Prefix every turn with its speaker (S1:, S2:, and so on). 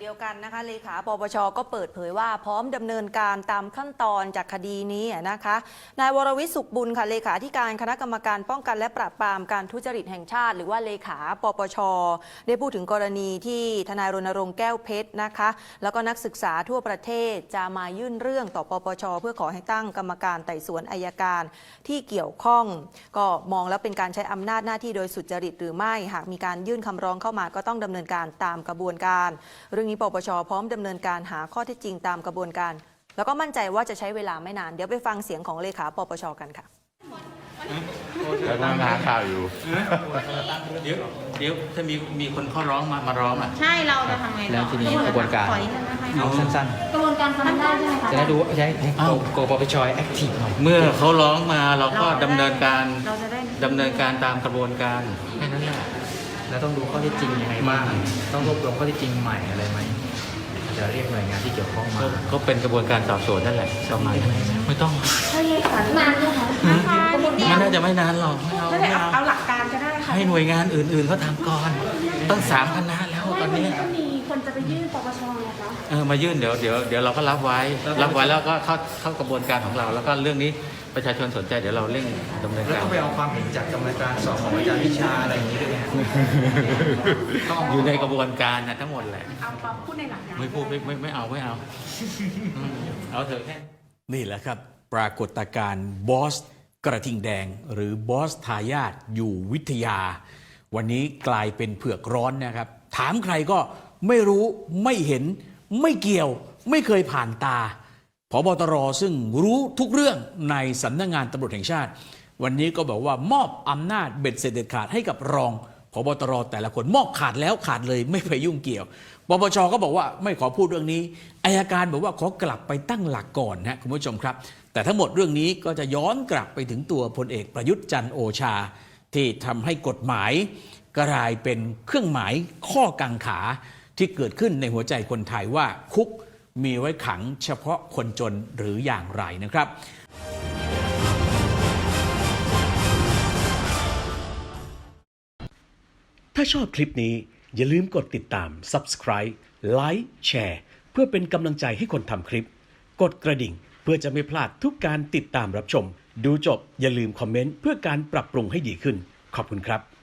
S1: ดียวกันนะคะเลขาปปชก็เปิดเผยว่าพร้อมดำเนินการตามขั้นตอนจากคดีนี้นะคะนายวรวิศ สุขบุญค่ะเลขาธิการคณะกรรมการป้องกันและปราบปรามการทุจริตแห่งชาติหรือว่าเลขาปปชได้พูดถึงกรณีที่ทนายรณรงค์แก้วเพชรนะคะแล้วก็นักศึกษาทั่วประเทศจะมายื่นเรื่องต่อปปชเพื่อขอให้ตั้งกรรมการไต่สวนอัยการที่เกี่ยวข้องก็มองแล้วเป็นการใช้อำนาจหน้าที่โดยสุจริตหรือไม่หากมีการยื่นคำร้องเข้ามาก็ต้องดำเนินการตามกระบวนการเรื่องนี้ปปชพร้อมดำเนินการหาข้อเท็จจริงตามกระบวนการแล้วก็มั่นใจว่าจะใช้เวลาไม่นานเดี๋ยวไปฟังเสียงของเลขาปปชกันค่ะ
S2: แล้วก็หาข่าวอยู่
S3: เดี๋ยวถ้ามีคนเขาร้องมาร้องอ่ะ
S4: ใช่เราจะทำไง
S5: แล้วทีนี้กระบวนการเอาสั้น
S4: กระบวนการทำได้ใช่ไหมคะ
S5: ๆจะได้ดูใช้โกปปชแอคทีฟหน่อย
S3: เมื่อเขาร้องมาเราก็ดำเนินการตามกระบวนการ
S5: แค่นั้นแหละแล้วต้องดูข้อเท็จจริงยังไงบ้างต้องรวบรวมข้อเท็จจริงใหม่อะไรไหมจะเรียกหน่วยงานที่เกี่ยวข้องมา
S3: ก็เป็นกระบวนการสอบสวนนั่นแหละประมาณไม่ต้อง
S4: ใช่ค่ะนานไหมคะ
S3: มันน่าจะไม่นานหรอก
S4: ไม่เอาหลักการก็ได้ค่ะ
S3: ให้หน่วยงานอื่นๆเขาทำก่อนต้อง3 คณะแล้วตอนนี้
S4: ก็มีคนจะไปยื่นปปชนะคะ
S3: มายื่นเดี๋ยวเราก็รับไว้แล้วก็เข้ากระบวนการของเราแล้วก็เรื่องนี้ประชาชนสนใจเดี๋ยวเราเร่งดำเนินการ
S5: แล้วก็ไปเอาความเห็นจากกรรมการสอบของอาจารย์วิชาอะไรอย่างนี้ด้วยนะ
S3: อยู่ในกระบวนการนะทั้งหมดแหละ
S4: เอาพูดในหลักการ
S3: ไม่พูดไม่เอาเอาเถอะแค่
S6: นี่แหละครับปรากฏการณ์บอสกระทิงแดงหรือบอสทายาทอยู่วิทยาวันนี้กลายเป็นเผือกร้อนนะครับถามใครก็ไม่รู้ไม่เห็นไม่เกี่ยวไม่เคยผ่านตาผบตรซึ่งรู้ทุกเรื่องในสำนักงานตำรวจแห่งชาติวันนี้ก็บอกว่ามอบอำนาจเบ็ดเสร็จเด็ดขาดให้กับรองผบตรแต่ละคนมอบขาดแล้วขาดเลยไม่ไปยุ่งเกี่ยวปปชก็บอกว่าไม่ขอพูดเรื่องนี้อัยการบอกว่าขอกลับไปตั้งหลักก่อนนะคุณผู้ชมครับแต่ทั้งหมดเรื่องนี้ก็จะย้อนกลับไปถึงตัวพลเอกประยุทธ์จันทร์โอชาที่ทำให้กฎหมายกลายเป็นเครื่องหมายข้อกังขาที่เกิดขึ้นในหัวใจคนไทยว่าคุกมีไว้ขังเฉพาะคนจนหรืออย่างไรนะครับ
S7: ถ้าชอบคลิปนี้อย่าลืมกดติดตาม Subscribe ไลค์แชร์เพื่อเป็นกำลังใจให้คนทำคลิปกดกระดิ่งเพื่อจะไม่พลาดทุกการติดตามรับชมดูจบอย่าลืมคอมเมนต์เพื่อการปรับปรุงให้ดีขึ้นขอบคุณครับ